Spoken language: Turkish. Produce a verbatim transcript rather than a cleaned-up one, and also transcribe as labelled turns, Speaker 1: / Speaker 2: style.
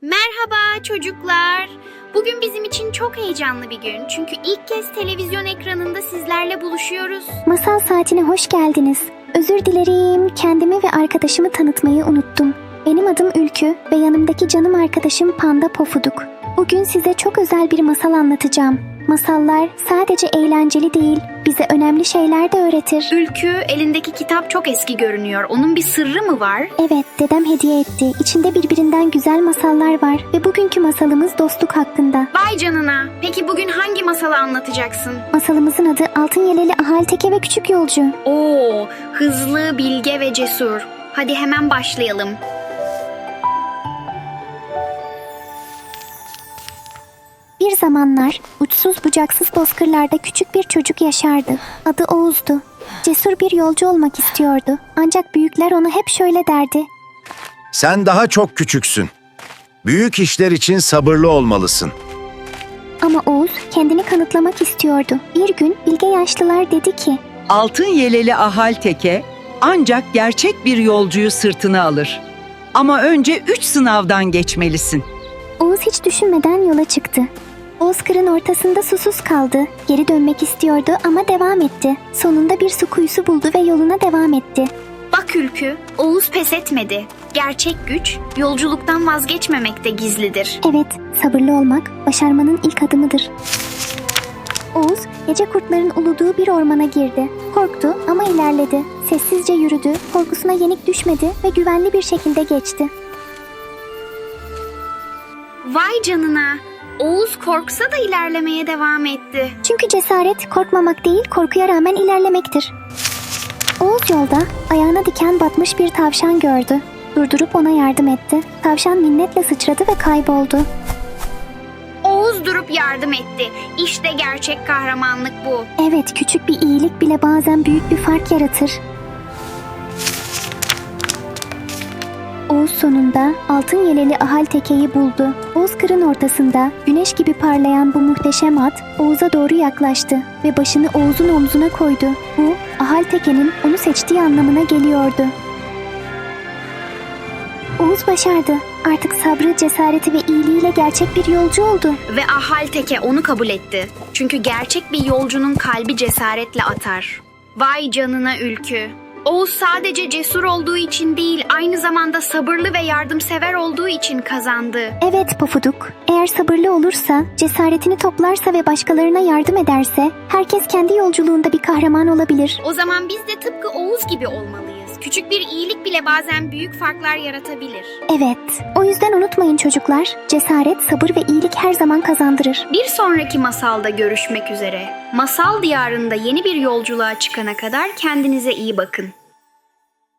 Speaker 1: Merhaba çocuklar. Bugün bizim için çok heyecanlı bir gün. Çünkü ilk kez televizyon ekranında sizlerle buluşuyoruz.
Speaker 2: Masal saatine hoş geldiniz. Özür dilerim, kendimi ve arkadaşımı tanıtmayı unuttum. Benim adım Ülkü ve yanımdaki canım arkadaşım Panda Pofuduk. Bugün size çok özel bir masal anlatacağım. Masallar sadece eğlenceli değil, bize önemli şeyler de öğretir.
Speaker 1: Ülkü, elindeki kitap çok eski görünüyor. Onun bir sırrı mı var?
Speaker 2: Evet, dedem hediye etti. İçinde birbirinden güzel masallar var ve bugünkü masalımız dostluk hakkında.
Speaker 1: Vay canına. Peki bugün hangi masalı anlatacaksın?
Speaker 2: Masalımızın adı Altın Yeleli Ahal Teke ve Küçük Yolcu.
Speaker 1: Oo, hızlı, bilge ve cesur. Hadi hemen başlayalım.
Speaker 2: Bir zamanlar uçsuz bucaksız bozkırlarda küçük bir çocuk yaşardı. Adı Oğuz'du. Cesur bir yolcu olmak istiyordu. Ancak büyükler ona hep şöyle derdi.
Speaker 3: Sen daha çok küçüksün. Büyük işler için sabırlı olmalısın.
Speaker 2: Ama Oğuz kendini kanıtlamak istiyordu. Bir gün bilge yaşlılar dedi ki,
Speaker 4: Altın yeleli ahal teke ancak gerçek bir yolcuyu sırtına alır. Ama önce üç sınavdan geçmelisin.
Speaker 2: Oğuz hiç düşünmeden yola çıktı. Bozkırın ortasında susuz kaldı. Geri dönmek istiyordu ama devam etti. Sonunda bir su kuyusu buldu ve yoluna devam etti.
Speaker 1: Bak Ülkü, Oğuz pes etmedi. Gerçek güç, yolculuktan vazgeçmemekte gizlidir.
Speaker 2: Evet, sabırlı olmak başarmanın ilk adımıdır. Oğuz, gece kurtların uluduğu bir ormana girdi. Korktu ama ilerledi. Sessizce yürüdü, korkusuna yenik düşmedi ve güvenli bir şekilde geçti.
Speaker 1: Vay canına. Oğuz korksa da ilerlemeye devam etti.
Speaker 2: Çünkü cesaret korkmamak değil, korkuya rağmen ilerlemektir. Oğuz yolda ayağına diken batmış bir tavşan gördü. Durdurup ona yardım etti. Tavşan minnetle sıçradı ve kayboldu.
Speaker 1: Oğuz durup yardım etti. İşte gerçek kahramanlık bu.
Speaker 2: Evet, küçük bir iyilik bile bazen büyük bir fark yaratır. Oğuz sonunda altın yeleli ahal tekeyi buldu. Bozkırın ortasında güneş gibi parlayan bu muhteşem at Oğuz'a doğru yaklaştı ve başını Oğuz'un omzuna koydu. Bu ahal tekenin onu seçtiği anlamına geliyordu. Oğuz başardı. Artık sabrı, cesareti ve iyiliğiyle gerçek bir yolcu oldu.
Speaker 1: Ve ahal teke onu kabul etti. Çünkü gerçek bir yolcunun kalbi cesaretle atar. Vay canına Ülkü. Oğuz sadece cesur olduğu için değil, aynı zamanda sabırlı ve yardımsever olduğu için kazandı.
Speaker 2: Evet Pofuduk, eğer sabırlı olursa, cesaretini toplarsa ve başkalarına yardım ederse, herkes kendi yolculuğunda bir kahraman olabilir.
Speaker 1: O zaman biz de tıpkı Oğuz gibi olmalıyız. Küçük bir iyilik bile bazen büyük farklar yaratabilir.
Speaker 2: Evet, o yüzden unutmayın çocuklar, cesaret, sabır ve iyilik her zaman kazandırır.
Speaker 1: Bir sonraki masalda görüşmek üzere. Masal diyarında yeni bir yolculuğa çıkana kadar kendinize iyi bakın.